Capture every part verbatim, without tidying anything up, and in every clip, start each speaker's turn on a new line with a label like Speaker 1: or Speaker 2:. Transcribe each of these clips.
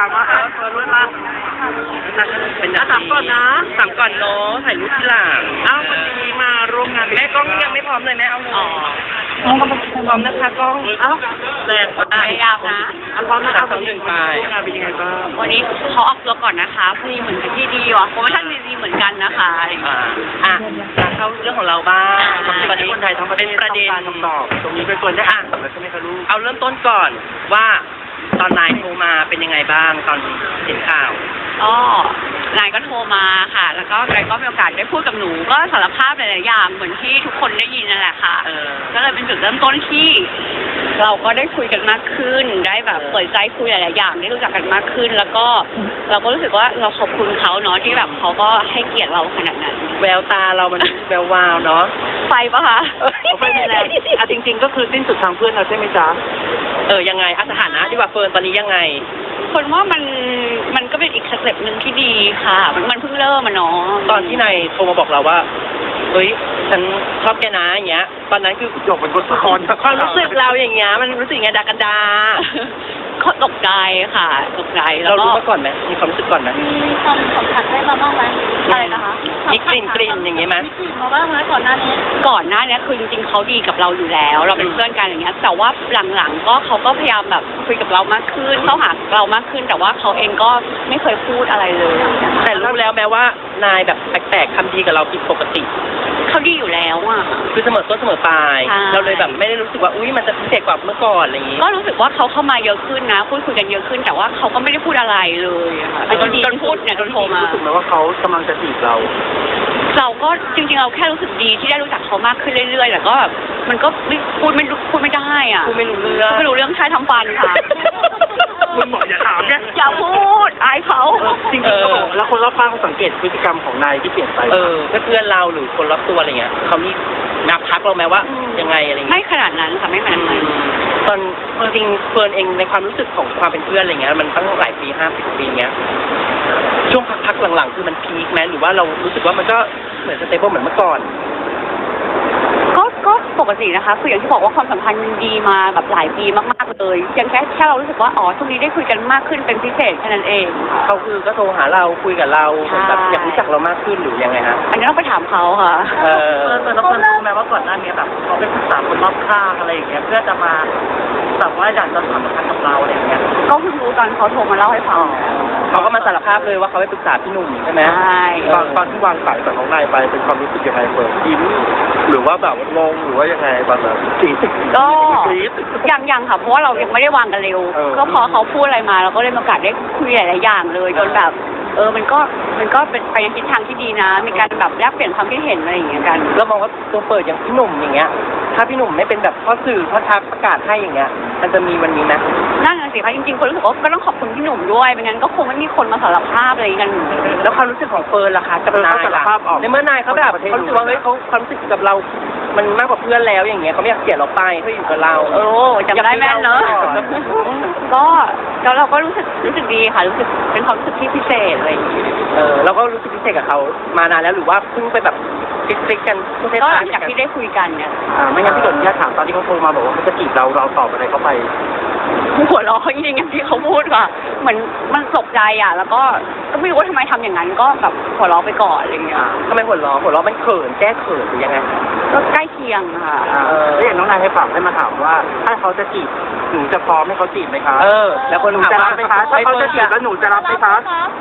Speaker 1: ามมาครับเปิดมาเป็นนะถามก่อนนะถามก่อนเนาะถ่ายรูปที่หลังอ้าววันนี้มาร่วมงานแม่กล้องยังไม่พร้อมเลยแม่เอาเลยพร้อมนะคะกล้องอ้าวแรงพยายามนะอันพร้อมนะคะสองหนึ่งไปงานเป็นยังไงบ้าง
Speaker 2: วันนี้เขาออกตัวก่อนนะคะพอดีเหมือนที่ดีว่ะโปรโมชั่นดีๆเหมือนกันนะคะ
Speaker 1: อ่าอ่ะเข้าเรื่องของเราบ้างตอนนี้คนไทยทั้งประเทศประเด็นคำตอบตรงนี้เป็นคนได้อ่านแล้วใช่ไหมคะลูกเอาเริ่มต้นก่อนว่าตอนนายโทรมาเป็นยังไงบ้างตอนเห็นข่าว
Speaker 2: ก็นายก็โทรมาค่ะแล้วก็นายก็มีโอกาสได้พูดกับหนูก็สารภาพหลายๆอย่างเหมือนที่ทุกคนได้ยินนั่นแหละค่ะก็เลยเป็นจุดเริ่มต้นที่เราก็ได้คุยกันมากขึ้นได้แบบเปิดใจคุยหลายๆอย่างได้รู้จักกันมากขึ้นแล้วก็เราก็รู้สึกว่าเราขอบคุณเขาเนาะที่แบบเขาก็ให้เกียรติเราขนาดนั้น
Speaker 1: แววตาเรามันแวววาวเนาะ
Speaker 2: ไฟปะคะ
Speaker 1: ไฟไม่แรงอ่ะจริงๆก็คือสิ้นสุดทางเพื่อนเราใช่ไหมจ๊ะเออยังไงสถานะที่ว่าเฟิร์นตอนนี้ยังไง
Speaker 2: คนว่ามันมันก็เป็นอีกสเต็ปหนึ่งที่ดีค่ะมันมันเพิ่งเริ่มอะเนาะ
Speaker 1: ตอนที่นายโทรมาบอกเราว่าเฮ้ยฉันชอบแกนะอย่างเงี้ยตอนนั้นคือจบเป็นบทละครความรู้สึกเราอย่างเงี้ยมันรู้สึกไงดากันดา
Speaker 2: เขาตกใจค่ะตกใจ
Speaker 1: เรารู้มาก่อนไหมมีความรู้สึกก่อนไหม
Speaker 2: มีความสัมผัสได้มาบ้างไหมอะไรนะคะ
Speaker 1: มีกลิ่นกลิ่นอย่างเงี้ยไหม
Speaker 2: มีกลิ่นมาบ้างไหมก่อนหน้านี้ก่อนหน้านี้คือจริงๆเขาดีกับเราอยู่แล้วเราเป็นเพื่อนกันอย่างเงี้ยแต่ว่าหลังๆก็เขาก็พยายามแบบคุยกับเรามากขึ้นเข้าหาเรามากขึ้นแต่ว่าเขาเองก็ไม่เคยพูดอะไรเลย
Speaker 1: แต่รู้แล้วแม้ว่านายแบบแปลกๆทำดีกับเราผิดปกติ
Speaker 2: เขาดีอยู่แล้วอ่ะ
Speaker 1: คือเสมอต้นเสมอปลายเราเลยแบบไม่ได้รู้สึกว่าอุ้ยมันจะพิเศษกว่าเมื่อก่อนอะไรอย่างงี้
Speaker 2: ก็รู้สึกว่าเขาเข้ามาเยอะขึ้นนะพูดคุยกันเยอะขึ้นแต่ว่าเขาก็ไม่ได้พูดอะไรเลยค่ะจนจนพูดเนี่ยจนโทรมา
Speaker 1: รู้สึกไหมว่าเขากำลังจะจีบเรา
Speaker 2: เราก็จริงๆเราแค่รู้สึกดีที่ได้รู้จักเขามากขึ้นเรื่อยๆแต่ก็แบบมันก็ไม่พูดไม่พูดไม่ได้อ่ะ
Speaker 1: พูดไม่รู้เรื่อง
Speaker 2: ไม่รู้เรื่องใช้ทำฟันค่ะ
Speaker 1: คุณหมออย่าถามแก
Speaker 2: อย่าพูดอายเขา
Speaker 1: จริงๆแล้วคนรอบข้างเขาสังเกตพฤติกรรมของนายที่เปลี่ยนไปเออเพื่อนเราหรือคนรอบตัวอะไรเงี้ยเขามีนับทักเราไหมว่ายังไงอะไรเงี้ย
Speaker 2: ไม่ขนาดนั้นค่ะไม่ขนาดนั้น
Speaker 1: ตอนจริงเฟิร์นเองในความรู้สึกของความเป็นเพื่อนอะไรเงี้ยมันตั้งหลายปีห้าสิบปีเงี้ยช่วงพักๆหลังๆคือมันพีคไหมหรือว่าเรารู้สึกว่ามันก็เหมือนสเตเบิลเหมือนเมื่อก่อน
Speaker 2: ก็ก็ปกตินะคะคืออย่างที่บอกว่าความสัมพันธ์มันดีมาแบบหลายปีมากๆเลยยังแค่แค่เรารู้สึกว่าอ๋อช่วงนี้ได้คุยกันมากขึ้นเป็นพิเศษแค่นั้นเอง
Speaker 1: เขาคือก็โทรหาเราคุยกับเราเหมือนแบบอยากรู้จักเรามากขึ้นหรือยังไงฮะ
Speaker 2: อันนี้ต้องไปถามเขาค่ะ
Speaker 1: เออเออแล้วเพื่อนรู้ไหมว่าก่อนหน้านี้แบบเขาเป็นปรึกษาคนรอบข้างอะไรอย่างเงี้ยเพื่อจะมาแบบว่าอยากจะสัมพันธ์กับเราอะไรอย่างเงี้ย
Speaker 2: ก็เพิ่งรู้ตอนเขาโทรมาเล่าให้ฟัง
Speaker 1: เขาก็มาสารภาพเลยว่าเขาไปปรึกษาพี่หนุ่มใช่ไหม
Speaker 2: ใช่
Speaker 1: ตอนตอนที่วางสายกับน้องนายไปเป็นความรู้สึกยังไงเปิดยิ้มหรือว่าแบบงงหรือว่ายังไงตอนนั้น
Speaker 2: ก็ยังยังค่ะเพราะว่าเรายังไม่ได้วางกันเร็วก็พอเขาพูดอะไรมาเราก็ได้มีโอกาสได้คุยหลายๆอย่างเลยจนแบบเออมันก็มันก็เป็นไปในทิศทางที่ดีนะมีการแบบแลกเปลี่ยนความคิดเห็นอะไรอย่างเงี้ยกัน
Speaker 1: แล้วมองว่าตัวเปิดอย่างพี่หนุ่มอย่างเงี้ยถ้าพี่หนุ่มไม่เป็นแบบข้อสื่อข้อทักประกาศให้อย่างเงี้ยมันจะมีวันนี้ไหม
Speaker 2: นั่นสิคะจริงๆคนรู้สึกว่าก็ต้องขอบคุณพี่หนุ่มด้วยไม่งั้นก็คงไม่มีคนมาสารภาพอะไรกัน
Speaker 1: แล้วความรู้สึกของเฟิร์นล่ะคะกับนายล่ะในเมื่อนายเขาแบบเขารู้สึกว่าเฮ้ยเขาความรู้สึกกับเรามันมากกว่าเพื่อนแล้วอย่างเงี้ยเขาไม่อยากเกลียดเราไปเขาอยู่กับเรา
Speaker 2: โอ้จำได้แม่นเนอะก็แล้วเราก็รู้สึกรู้สึกดีค่ะรู้สึกเป็นความรู้สึกที่พิเศษอะไรอย่างเงี้ย
Speaker 1: เออเราก็รู้สึกพิเศษกับเขามานานแล้วหรือว่าเพิ่งไปแบบคลิกๆกัน
Speaker 2: ก็หลังจากที่ได้คุยกันเนี่ย
Speaker 1: อ่าไม่งั้นพี่หนุ่มแค่ถามตอนที่เขาโทรมาบอกว่าเขาจะจีบเราเราตอบอะไรเขาไป
Speaker 2: หัวเราะจริงๆอย่างที่เขาพูดค่ะเหมือนมันตกใจอ่ะแล้วก็ก็ไม่รู้ว่าทำไมทำอย่างนั้นก็แบบหัวเราะไปก่อนอะไรเงี้ย
Speaker 1: ทำไมหัวเราะหัวเราะมันเขินแก้เขินหรือยังไง
Speaker 2: ก็ใกล้เคียงค่ะ
Speaker 1: เออแล้วอย่างน้องนายให้ฝากให้มาถามว่าถ้าเขาจะจีบหนูจะพร้อมให้เขาจีบไหมคะเออแล้วคนถามว่าถ้าเขาจะจีบแล้วหนูจะรับไหมคะ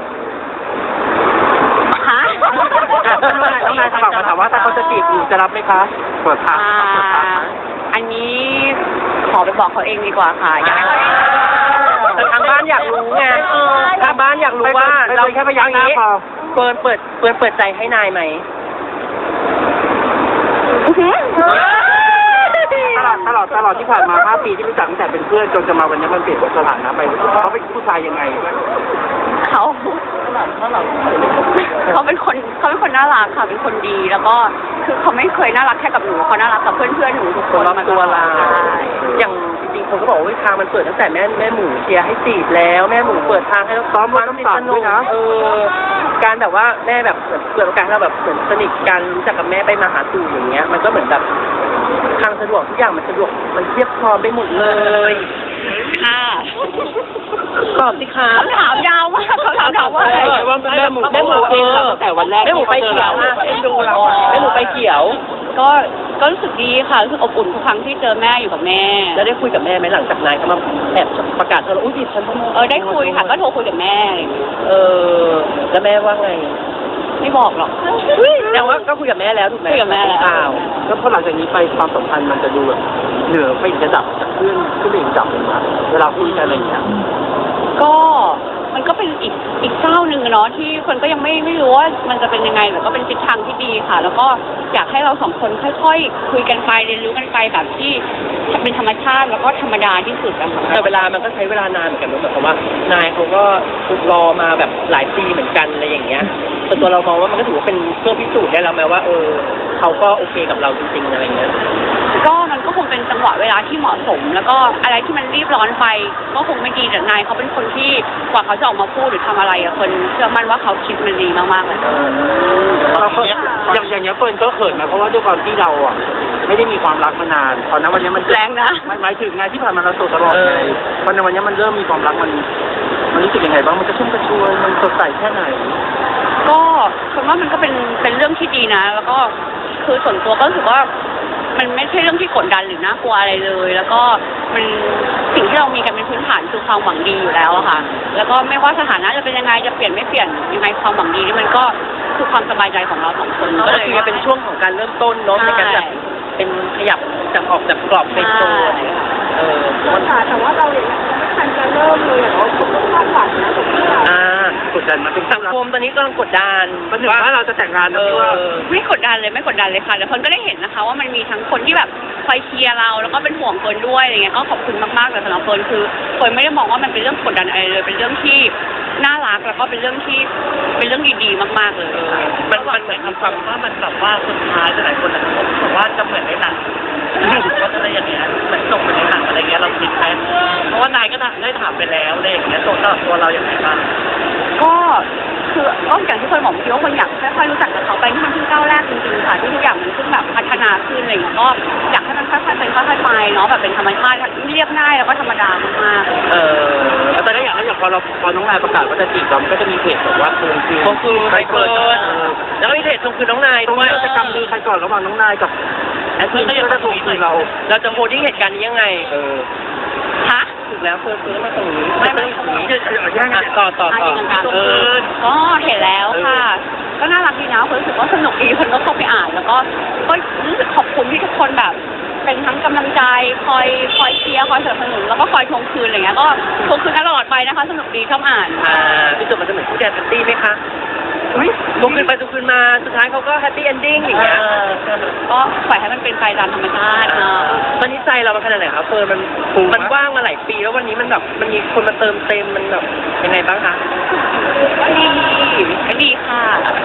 Speaker 2: ฮะ
Speaker 1: น้องนายฝากมาถามว่าถ้าเขาจะจีบหนูจะรับไหมคะเปิดทาง
Speaker 2: อันนี้ขอไปบอกเขาเองดีกว่าค่ะอยากให้เขา
Speaker 1: แต่ทางบ้านอยากรู้ไงทางบ้านอยากรู้ว่าเราแค่พยายามนี้เปิดเปิดเปิดเปิดใจให้นายไหมตลอดตลอดตลอดที่ผ่านมาห้าปีที่รู้จักตั้งแต่เป็นเพื่อนจนจะมาวันนี้มันเปลี่ยนสถานะไปเขาเป็นผู้ชายยังไง
Speaker 2: เขาเขาเป็นคนเขาเป็นคนน่ารักค่ะเป็นคนดีแล้วก็คือเขาไม่เคยน่ารักแค่กับหนูเขาน่ารักกับเพื่อนเพื่อนหนูทุกคน
Speaker 1: มาตัวเราอย่างจริงๆคนก็บอกว่าทางมันเปิดตั้งแต่แม่แม่หมูเชียร์ให้จีบแล้วแม่หมูเปิดทางให้เราซ้อมมาต้องสนุกนะเออการแบบว่าแม่แบบเปิดโอกาสให้เราแบบเหมือนสนิทกันรู้จักกับแม่ไปมาหาสู่อย่างเงี้ยมันก็เหมือนแบบทางสะดวกทุกอย่างมันสะดวกมันเทียบพร้อมไปหมดเลย
Speaker 2: ค่ะ
Speaker 1: ตอบสิคะ
Speaker 2: คำถามยาวมากเขาถามถามว่าอะไร
Speaker 1: ว่าแม่หมูแม่หมูเองตั้งแต่วันแรกแม่หมูไปเขียวอ่ะเอ็นดูเราอ่ะแม่หมูไปเขียว
Speaker 2: ก็ก็รู้สึกดีค่ะรู้สึกอบอุ่นทุกครั้งที่เจอแม่อยู่กับแม่
Speaker 1: แล้วได้คุยกับแม่ไหมหลังจากนายเขามาแอบประกาศเราอุ้ยผิดฉันต้อง
Speaker 2: เออได้คุยค่ะก็โทรคุยกับแม่อะไรอย่างเงี้ย
Speaker 1: เออแล้วแม่ว่าไง
Speaker 2: ไม่บอกหรอก
Speaker 1: แต่ว่าก็คุยกับแม่แล้วถูกไหม
Speaker 2: คุยกับแม่แล้ว
Speaker 1: อ้าว
Speaker 3: แล้วพอหลังจากนี้ไปความสัมพันธ์มันจะดูแบบเหนือไปอีกระดับจากเพื่อนขึ้นไปอีกระดับหนึ่งนะเวลาคุยกันอะไรอย่างเงี้ย
Speaker 2: ก็มันก็เป็นอีกอีกก้าวหนึ่งอะเนาะที่คนก็ยังไม่ไม่รู้ว่ามันจะเป็นยังไงแต่ก็เป็นทิศทางที่ดีค่ะ แล้วก็อยากให้เราสองคนค่อยๆคุยกันไปเรียนรู้กันไปแบบที่เป็นธรรมชาติแล้วก็ธรรมดาที่สุดอะค่ะ
Speaker 1: แต่เวลามันก็ใช้เวลานานเหมือนกันนะหมายความว่านายเขาก็ฝึกรอมาแบบหลายปีเหมือนกันอะไรอย่างเงี้ยส่วนตัวเรามองว่ามันก็ถือว่าเป็นเครื่องพิสูจน์ได้แล้วไหมว่าเออเขาก็โอเคกับเราจริงๆอะไรเงี้ย
Speaker 2: ก็มันก็คงเป็นจังหวะเวลาที่เหมาะสม แล้วก็อะไรที่มันรีบร้อนไปก็คงไม่ดีแต่นายเขาเป็นคนที่กว่าเขาจะออกมาพูดหรือทำอะไรอะคนเชื่อมั่นว่าเขาคิดมันดีมากๆเลย
Speaker 3: เราก็อย่างอย่างเงี้ยเฟิร์นก็เขินนะเพราะว่าด้วยความที่เราอ่ะไม่ได้มีความรักมานานตอนนั้นวันนี้มัน
Speaker 2: แรงนะ
Speaker 3: มันหมายถึงไงที่ผ่านมาเราโสดตลอดไงตอนในวันนี้มันเริ่มมีความรักมันมันรู้สึกยังไงบ้างมันกระชุ่มกระชวยมันสดใสแค่ไหน
Speaker 2: ก็คนว่ามันก็เป็นเป็นเรื่องที่ดีนะ แล้วก็คือส่วนตัวก็รู้สึกว่ามันไม่ใช่เรื่องที่กดดันหรือน่ากลัวอะไรเลย แล้วก็มันสิ่งที่เรามีกันเป็นพื้นฐานคือความหวังดีอยู่แล้วอะค่ะ แล้วก็ไม่ว่าสถานะจะเป็นยังไงจะเปลี่ยนไม่เปลี่ยนยังไงความหวังดีนี่มันก็คือความสบายใจของเราสองคน
Speaker 1: ก็
Speaker 2: ก็
Speaker 1: เล
Speaker 2: เลย ย
Speaker 1: เป็นช่วงของการเริ่มต้นเนาะในการแบบเป็นขยับจากออกจากกรอบเป็นโซนเออ
Speaker 4: ค่ะแต่ว่าเราอย่างไม่ทันจะเริ่มเลยอะเราก็ต้องคาดหวังนะกับที่เรา
Speaker 1: อ่าก
Speaker 3: ดดันมาเป็น
Speaker 1: สังคมตอนนี้กำลังกดดัน
Speaker 3: มันถึงว่าเราจะแต่งงาน
Speaker 1: เอ
Speaker 3: นะพี่ว่า
Speaker 1: อ
Speaker 2: ไม่กดดันเลยไม่กดดันเลยค่ะแต่คนก็ได้เห็นนะคะ ว่ามันมีทั้งคนที่แบบคอยเชียร์เราแล้วก็เป็นห่วงคนด้วยอะไรเงี้ยก็ขอบคุณมากๆแต่สำหรับคนคือคนไม่ได้มองว่ามันเป็นเรื่องกดดันอะไรเลย เป็นเรื่องที่น่ารักแล้วก็เป็นเรื่องที่เป็นเรื่องดีๆมากๆเลย
Speaker 1: มันมันเหมือนคำฟังว่ามันแบบว่าสุดท้ายหลายคนนะบอกว่าจะเหมือนในหนังก็อะไรอย่างเงี้ยเหมือนส่งเหมือนในหนังอะไรเงี้ยเราคิดไหมเพราะว่านายก็ได้ถามไปแล้วอะไรอย่างเงี้ยตัวเราตัวเราอย่างไรบ้าง
Speaker 2: ก็คือก็อย่างที่เคยบอกเมื่อกี้ว่าคนอยากค่อยๆรู้จักกับเขาไปที่มันเพิ่งก้าวแรกจริงๆค่ะที่ทุกอย่างมันเพิ่งแบบพัฒนาขึ้นอะไรอย่างเงี้ยก็อยากให้มันค่อยๆเป็นค่อยๆไปเนาะแบบเป็นธรรมชาติเรียบง่ายแล้วก็ธรรมดามากๆ
Speaker 1: เออ
Speaker 3: แล้วตอนนี้อย่างนั้นอย่างพอเราพอน้องนายประกาศว่าจะจีบเรามันก็จะมีเพจแบบว่าทวงคืน
Speaker 1: ทวงคืนใครเปิดแล้วก็มีเพจทวงคืนน้องนาย
Speaker 3: ตรง
Speaker 1: ด้วย
Speaker 3: นี้เราจะกำมือใครก่อนระหว่างน้องนายกับแอดมินที่จะทวงคืนเรา
Speaker 1: เราจะโพสต์ที่เหตุการณ์นี้ยังไง
Speaker 3: เออ
Speaker 2: ฮะ
Speaker 1: ถูกแล้วเฟิร์นเฟิร์นมาตรงนี้
Speaker 2: ไม่ไม่
Speaker 1: ตรงนี้
Speaker 3: แย่งกัน
Speaker 1: ต่อต่อต่อ
Speaker 2: เออก็เห็นแล้วค่ะ ก็น่ารักดีนะคนรู้สึกว่าสนุกดีคนก็เข้าไปอ่าน แล้วก็ก็รู้สึกขอบคุณที่ทุกคนแบบ เป็นทั้งกำลังใจคอยคอยเชียร์คอยสนับสนุนแล้วก็คอยทวงคืนอะไรเงี้ยก็ทวงคืนตลอดไปนะคะ สนุกดีชอบอ่าน
Speaker 1: อ่าที่สุดมันจะเหมือนคู่แดนปาร์ตี้ไหมคะทวงคืนไปทวงคืนมาสุดท้ายเขาก็แฮปปี้เอนดิ้งอย่างเงี้ย
Speaker 2: ก็ปล่อยให้มันเป็นไปตามธรรมชาติเนาะ
Speaker 1: ตอนนี้ใจเรามันขนาดไหนครับเฟิร์นมันมันว่างมาหลายปีแล้ววันนี้มันแบบมันมีคนมาเติมเต็มมันแบบยังไงบ้างคะ
Speaker 2: ก็ดีก็ดีค่ะ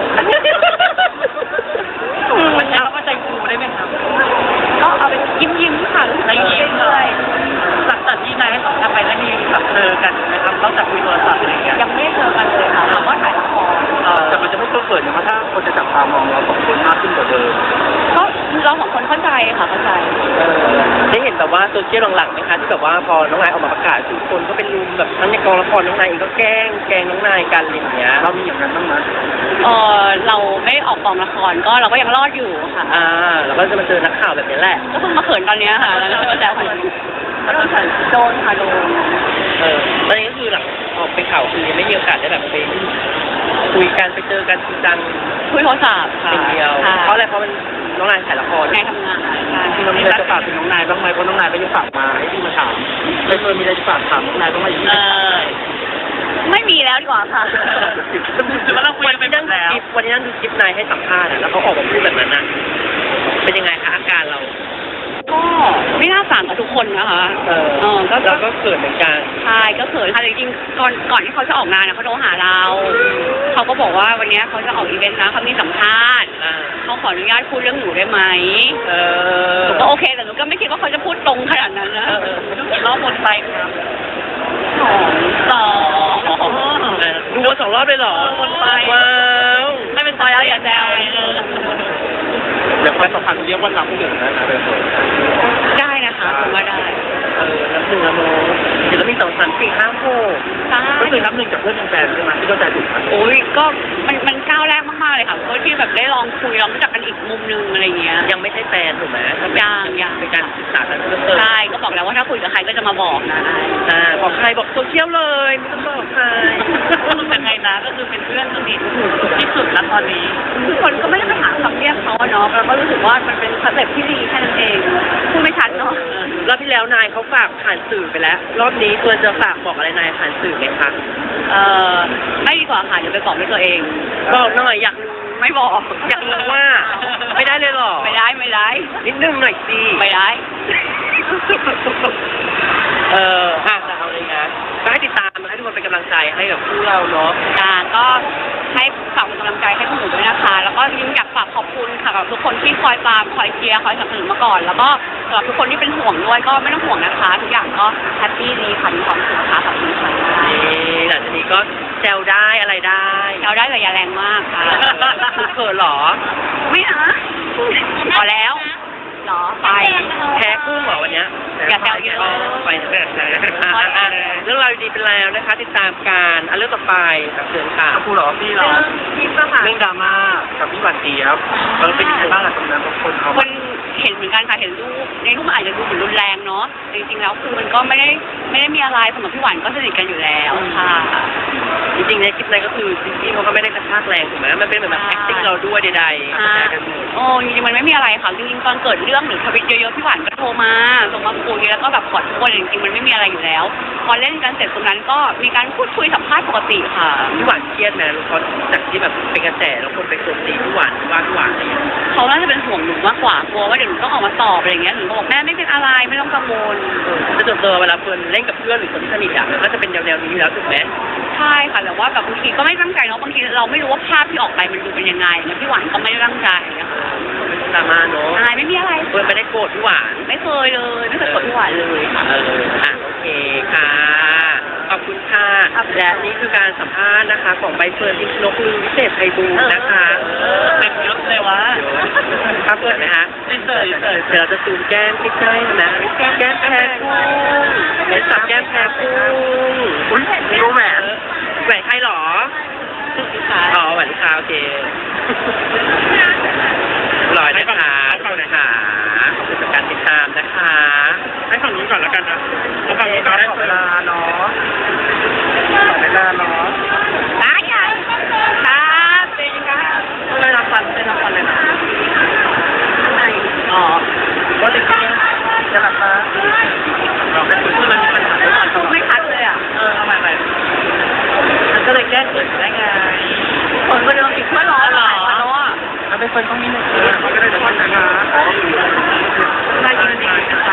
Speaker 1: มันจะเข้าใจครูได้ไหมครับ
Speaker 2: ก็เอาเป็นยิ้มยิ้มๆค่ะรู้สึกยิ้มเลย
Speaker 1: หลังจากที่นายให้สัมภาษณ์ไปแล้วมีแบบเจอกันนะครับนอกจากคุยโทรศัพท์อะไรอย่างเงี้ย
Speaker 2: ยังไม่ได้เจอกันเลยค่ะถามว่าถ่ายละคร
Speaker 1: เออ
Speaker 3: แต่มันจะไม่ต้องเปิดนะเพราะถ้าคนจะจับตามองเราสองคนมากขึ้นกว่าเดิม
Speaker 2: ก็เราสองคนเข้าใจค่ะเข้าใจ
Speaker 1: เออได้เห็นแบบว่าโซเชียลหลังๆไหมคะที่แบบว่าพอน้องนายออกมาประกาศทุกคนก็เป็นรุมแบบทั้งในกองละครน้องนายเองก็แกล้งแกล้งน้องนายกันอะไรอย่างเงี้ย
Speaker 3: เรามีอย่างนั้นบ้างไหม
Speaker 2: เออเราไม่ได้ออกกองละครก็เราก็ยังรอดอยู่ค่ะ
Speaker 1: อ่าแล้วก็จะมาเจอนักข่าวแบบนี้แหละ
Speaker 2: ก็เพิ่งมาเขินตอนเนี้ยค่ะ แล้วก็จะมาแซวคนอื่นโดนค่ะโดนค่ะโดน
Speaker 1: เออตอนนี้ก็คือหลังออกไปข่าวคือยังไม่มีโอกาสได้แบบไปคุยกันไปเจอกันจริงจัง
Speaker 2: คุยโทรศัพท์ค่ะ
Speaker 1: เป็นเดียว
Speaker 2: ค่ะ
Speaker 1: เพราะอะไรเพราะมันน้องนายถ่ายละคร
Speaker 2: นายทำงานใช่
Speaker 3: ที่เรามีอะไรจะฝากถึงน้องนายบ้างไหมเพราะน้องนายก็ยังฝากมาให้พี่มาถามไม่เคยมีอะไรจะฝากถามน้องนายบ้างไหมที่
Speaker 1: เออ
Speaker 2: ไม่มีแล้วดีกว่าค่ะ
Speaker 1: ถือว่าเราคุยกันไปนั่งดูคลิปวันนี้นั่งดูคลิปนายให้สัมภาษณ์อะแล้วเขาออกมาพูดแบบนั้นนะเป็นยังไงคะอาการเรา
Speaker 2: ก็ไม่น่าสั่งกับทุกคนนะคะ
Speaker 1: เออ
Speaker 2: เออก็
Speaker 1: เราก็เกิดเหมือนกัน
Speaker 2: ใช่ก็เขินค่ะจริงๆก่อนก่อนที่เขาจะออกงานนะเขาโทรหาเรา เขาก็บอกว่าวันเนี้ยเขาจะออกอีเวนต์นะเขามีสัมภาษณ์
Speaker 1: อ่า
Speaker 2: เขาขออนุญาตพูดเรื่องหนูได้ไหม
Speaker 1: เออ
Speaker 2: หนูก็โอเคแต่หนูก็ไม่คิดว่าเขาจะพูดตรงขนาดนั้นนะ
Speaker 1: เออเออดูกี่รอบบนไปครับ
Speaker 2: สองสอง
Speaker 1: ดูมาสองรอบเลยเหรอวนไปว้าว
Speaker 2: ไม่เป็นซอยแล้วอย่าแซว
Speaker 3: เดี๋ยวความสัมพันธ์เรียกว่านับหนึ่งนะนะเบล
Speaker 2: ได้นะคะผมว่าได้
Speaker 1: เออนับหนึ่งนะโมสามสี่ห้าหก
Speaker 2: ใช่
Speaker 3: ก็คือนับหนึ่งจากเพื่อนเป็นแฟนใช่ไหมที่เข้าใจถูกไหม
Speaker 2: โอ้ยก็มันมันก้าวแรกมากๆเลยค่ะเพราะที่แบบได้ลองคุยลองรู้จักกันอีกมุมนึงอะไรเงี้ย
Speaker 1: ยังไม่ใช่แฟนถูกไหมก็เป็น
Speaker 2: ยังยัง
Speaker 1: เป็นการศึกษากันเพิ่มเติม
Speaker 2: ใช่ก็บอกแล้วว่าถ้าคุยกับใครก็จะมาบอกนะ
Speaker 1: อ่าบอกใครบอกโซเชียลเลยไม่ต้องบอกใคร
Speaker 2: ยังไงนะก็คือเป็นเพื่อนสนิทที่สุดแล้วตอนนี้ทุกคนก็ไม่ได้ไปหาคำเรียกเขาอะเนาะเราก็รู้สึกว่ามันเป็นคอนเซ็ปต์ที่ดีแค่นั้นเองพูดไม่ชัดเนาะ
Speaker 1: รอบที่แล้วนายเขาฝากผ่านสื่อไปแล้ว รอบนี้ควรจะฝากบอกอะไรนายผ่านสื่อไหมคะ
Speaker 2: เออไม่ดีกว่าค่ะเดี๋ยวไปบอกด้วยตัวเอง
Speaker 1: บอกหน่อยอยากรู้
Speaker 2: ไม่บอก
Speaker 1: อยากรู้ว่าไม่ได้เลยเหรอ
Speaker 2: ไม่ได้ไม่ได้
Speaker 1: นิดนึงหน่อยสิ
Speaker 2: ไม่ได้
Speaker 1: เอออ่ะแต่เอาเลยนะก็ให้ติดตามให้ทุกคนเป็นกำลังใจให้กับคู่เราเนาะ
Speaker 2: อ่าก็ให้ฝากเป็นกำลังใจให้พวกหนูด้วยนะคะ แล้วก็ยิ่งอยากฝากขอบคุณค่ะกับทุกคนที่คอยตามคอยเชียร์คอยสนับสนุนมาก่อน แล้วก็สำหรับทุกคนที่เป็นห่วงด้วยก็ไม่ต้องห่วงนะคะ ทุกอย่างก็แฮปปี้ดีค่ะมีความสุขค่ะขอบคุณค่ะ
Speaker 1: นี่หลังจากนี้ก็แซวได้อะไรได้
Speaker 2: เราได้แต่อย่าแรงมากค่ะ
Speaker 1: คุณเขินเหรอ
Speaker 2: ไม่นะพอแล้วเหรอไป
Speaker 1: แพ้กุ้งเหรอวันเนี้ย
Speaker 2: อย่าแซวเยอะ
Speaker 1: ไปเถอะอ่ะเรื่องราวดีๆเป็นแล้วนะคะ ติดตามการอันเรื่องต่อไปกับเชิญค่ะ
Speaker 3: คู่เหรอพี่เหรอ
Speaker 2: คลิปอะค่ะ
Speaker 3: เรื่องดราม่ากับพี่หวานเจี๊ยบเออเป็นยังไงบ้างล่ะตรงนั้นบางคนเขา
Speaker 2: คนเห็นเหมือนกันค่ะเห็นรูปในรูปมันอาจจะดูเหมือนรุนแรงเนาะจริงๆแล้วคือมันก็ไม่ได้ไม่ได้มีอะไรสำหรับพี่หวานก็สนิทกันอยู่แล้วค่ะ
Speaker 1: จริงๆในคลิปนั้นก็คือจริงๆเขาก็ไม่ได้กระชากแรงถูกไหมมันเป็นเหมือนแบบ acting เราด้วยใดๆ
Speaker 2: อ่า
Speaker 1: แชร์กันหมด
Speaker 2: โอ้จริงๆมันไม่มีอะไรค่ะจริงๆตอนเกิดเรื่องหรือทวิตเยอะๆพี่หวานก็โทรมาส่งมาคุยแล้วก็แบบขอโทษจริงๆมันไม่มีอะไรอยู่แล้ว พอเล่นกันเสร็จตรงนั้นก็มีการพูดคุยสัมภาษณ์ปกติค่ะ
Speaker 1: พี่หวานเครียดไหมรู้เพราะจากที่แบบเป็นกระแสแล้วคนไปโจมตีพี่หวานว่าพี่หวานอะไรอย่างเงี้ย
Speaker 2: เขาน่าจะเป็นห่วงหนูมากกว่ากลัวว่าเดี๋ยวหนูต้องออกมาตอบอะไรอย่างเงี้ยหนูก็บอกแม่ไม่เป็นอะไรไม่ต้องกังวล
Speaker 1: จะจดเจอเวลาเพื่อนเล่นกับเพื่อนหรือคนที่สนิทอ่ะมันก็จะเป็นแนวๆนี้อยู่แล้วถูกไหม
Speaker 2: ใช่ค่ะแต่ว่าแบบบางทีก็ไม่ตั้งใจเนาะบางทีเราไม่รู้ว่าภาพที่ออกไปมันดูเป็นยังไงแล้วพี่หวานก็ไม่ได้ตั้งใจนะคะ
Speaker 1: เป็นดราม่าเนาะ
Speaker 2: ใช่ไม่มีอะไร
Speaker 1: เพื่อนไม่ได้โกรธพี่หวาน
Speaker 2: ไม่เคยเลยไม่เคยกดพี่หวานเลยค่ะ
Speaker 1: เอออ่ะโอเคค่ะ ขอบคุณค่ะ และนี่คือการสัมภาษณ์นะคะ ของใบเฟิร์นพิชนกลือวิเศษไพบูลย์นะคะเต็มยศเลยวะครับเปิดไหมคะเปิดเปิดเดี๋ยวเราจะซูมแก้มใกล้ๆนะแก้มแพ้กุ้งเห็นสับแก้มแพ้กุ้งอุ้ยมีแหวนแหวนใครหรออ๋อแหวนลูกค้าโอเครอยนะคะขอบคุณค่ะขอบคุณสำหรับการติดตามนะคะ
Speaker 3: ให้ฝั่งนี้ก่อนแล้วกันนะเอาฝั่งนี้ก่อนได้เวลาเนาะเวลาเนาะ
Speaker 2: ตายใหญ่ครับเป็นยังไง
Speaker 1: ต้องได้รับฟันได้รับฟันเลยนะ
Speaker 2: อ๋อ
Speaker 3: ก็จริงๆจะหลับตาเราเป็นคนที่มันมีปัญหาเรื่องการ
Speaker 2: พูดไม่ชัดเลยอ่ะ
Speaker 3: เออเอาใหม่ใหม่มันก็เลยแก้เกิดได้ไง
Speaker 2: คนก็เดินติดเพื่อนร้อนหรอเนาะ
Speaker 3: เอาไปคนตรงนี้หนึ่งมันก็ได้แต่คนนะคะได้ยินดีค่ะ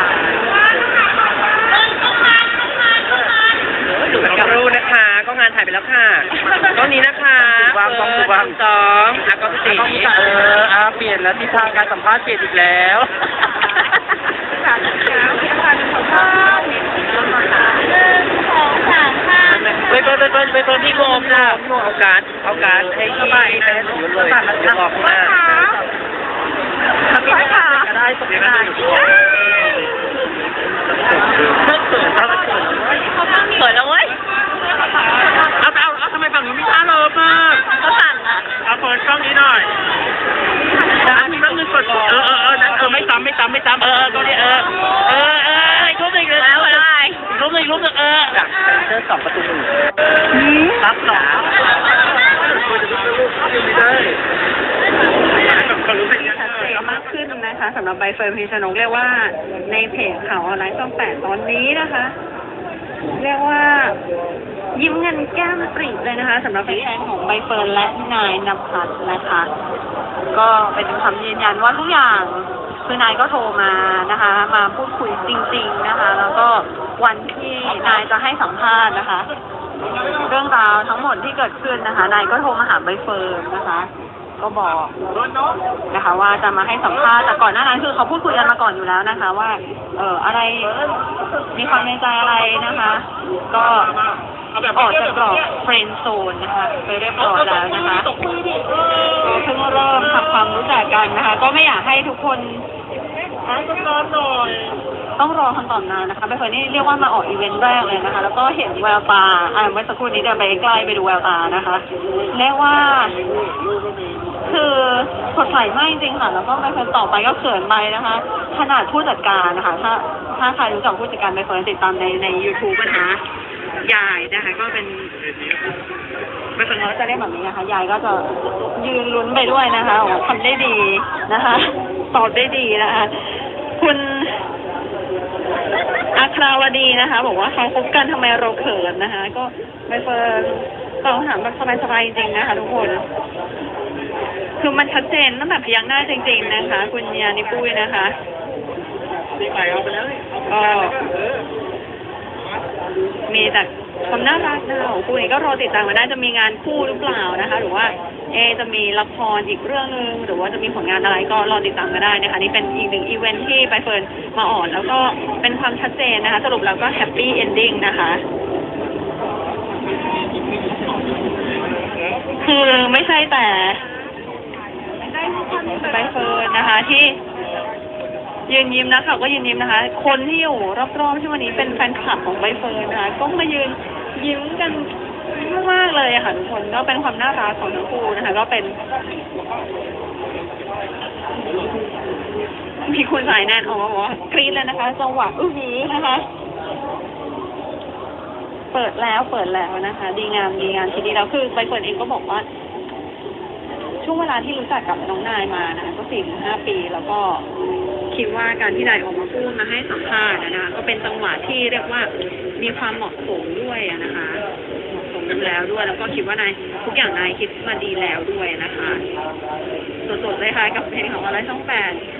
Speaker 1: ขอบคุณนะคะ ก็งานถ่ายไปแล้วค่ะตอนนี้นะคะสองสองอ่ะก็สี่
Speaker 3: เอออาเปลี่ยนแล้วทิศทางการสัมภาษณ์เปลี่ยนอีกแล้วไปเปิดไปเปิดไปเปิด
Speaker 1: พี่
Speaker 3: พี่
Speaker 1: โม
Speaker 3: โม
Speaker 1: ม
Speaker 3: ม
Speaker 1: จ้ะ
Speaker 3: จ้ะ
Speaker 1: พี่โมเอาการ์ดเอาการ์ดให้พี่ไปให้ถือเลยเดี๋ยวบอกมา
Speaker 3: พี่ขาได้ตกได้เพิ่งตื่นตอนเกิด
Speaker 2: เขินแล้วเว้ย
Speaker 3: เอาเอาเอาทำไมฝั่งนี้ไม่ท่าเลิฟมาก
Speaker 2: เขาสั่งอ่ะ
Speaker 3: เอาเปิดกล้องนี้หน่อยนะมีบ้างเงินสดเออเออเออนั้นเออไม่ซ้ำไม่ซ้ำไม่ซ้ำเออก็เนี่ยเออเออเอออีกรูปหนึ่งเลย
Speaker 2: แล้วอะไร
Speaker 3: อีกรูปหนึ่งอีกรูปหนึ่งเออ
Speaker 1: จากเชิญสองประตูหนึ่ง
Speaker 3: รับหรอไม่ได้คนรู้สึกยัง
Speaker 4: ชัดเจนมากขึ้นนะคะสำหรับใบเฟิร์นพิชนกเรียกว่าในเพจข่าวออนไลน์ช่องแปดตอนนี้นะคะ เรียกว่ายิ้มเงินแก้มปรีเลยนะคะสำหรับแฟนๆของใบเฟิร์นและนายนภัสนะคะ ก็เป็นคำยืนยันว่าทุกอย่างคือนายก็โทรมานะคะ มาพูดคุยจริง ๆนะคะ แล้วก็วันที่นายจะให้สัมภาษณ์นะคะ เรื่องราวทั้งหมดที่เกิดขึ้นนะคะนายก็โทรมาหาใบเฟิร์นนะคะ ก็บอกนะคะ ว่าจะมาให้สัมภาษณ์แต่ก่อนหน้านั้นคือเขาพูดคุยกันมาก่อนอยู่แล้วนะคะ ว่า เอออะไรมีความในใจอะไรนะคะ ก็ออกจากกรอบเฟรนด์โซนนะคะไปเรียบร้อยแล้วนะคะก็เพิ่งเริ่มทำความรู้จักกันนะคะ ก็ไม่อยากให้ทุกคน
Speaker 3: หาสักร้อนหน่อย
Speaker 4: ต้องรอคำตอบนานนะคะใบเฟิร์นนี่เรียกว่ามาออกอีเวนต์แรกเลยนะคะ แล้วก็เห็นแววตาอ่าเมื่อสักครู่นี้เดินไปใกล้ไปดูแววตานะคะเรียกว่า คือสดใสมากจริงๆค่ะ แล้วก็ใบเฟิร์นต่อไปก็เขินไปนะคะ ขนาดผู้จัดการนะคะ ถ้าถ้าใครรู้จักผู้จัดการใบเฟิร์นติดตามในในยูทูบนะคะยายนะคะ ก็เป็นใบเฟิร์นเขาจะเรียกแบบนี้นะคะยายก็จะยืนลุ้นไปด้วยนะคะว่าทำได้ดีนะคะตอบได้ดีนะคะ คุณอาคราวดีนะคะ บอกว่าเขาคบกันทำไมเราเขินนะคะ ก็ใบเฟิร์นตอบคำถามแบบสบายๆจริงๆนะคะทุกคน คือมันชัดเจนตั้งแต่พยักหน้าจริงๆนะคะ คุณยานิปุ้ยนะคะก็มีแต่ความน่ารักนะคะของคู่นี้ก็รอติดตามมาได้จะมีงานคู่หรือเปล่านะคะ หรือว่าเอจะมีละครอีกเรื่องนึงหรือว่าจะมีผลงานอะไรก็รอติดตามมาได้นะคะนี่เป็นอีกหนึ่งอีเวนท์ที่ใบเฟิร์นมาออนแล้วก็เป็นความชัดเจนนะคะสรุปแล้วก็แฮปปี้เอนดิ้งนะคะคือไม่ใช่แต่ใบเฟิร์นนะคะที่ยืนยิ้มนะคะก็ยืนยิ้มนะคะคนที่อยู่รอบๆที่วันนี้เป็นแฟนคลับของใบเฟิร์นนะคะก็มายืนยิ้มกันมากๆเลยค่ะทุกคนก็เป็นความน่ารักของทั้งคู่นะคะก็เป็นมีคุณสายแนนออกมาบอกว่ากรี๊ดเลยนะคะจังหวะอื้อหือนะคะ เปิดแล้วเปิดแล้วนะคะ ดีงามดีงามทีนี้แล้วคือใบเฟิร์นเองก็บอกว่าช่วงเวลาที่รู้จักกับน้องนายมานะคะก็สี่ถึงห้าปีแล้วก็คิดว่าการที่นายออกมาพูดมาให้สัมภาษณ์นะคะก็เป็นจังหวะที่เรียกว่ามีความเหมาะสมด้วยนะคะเหมาะสมแล้วด้วยแล้วก็คิดว่านายทุกอย่างนายคิดมาดีแล้วด้วยนะคะสดๆเลยค่ะกับเพลงของอะไรช่องแปด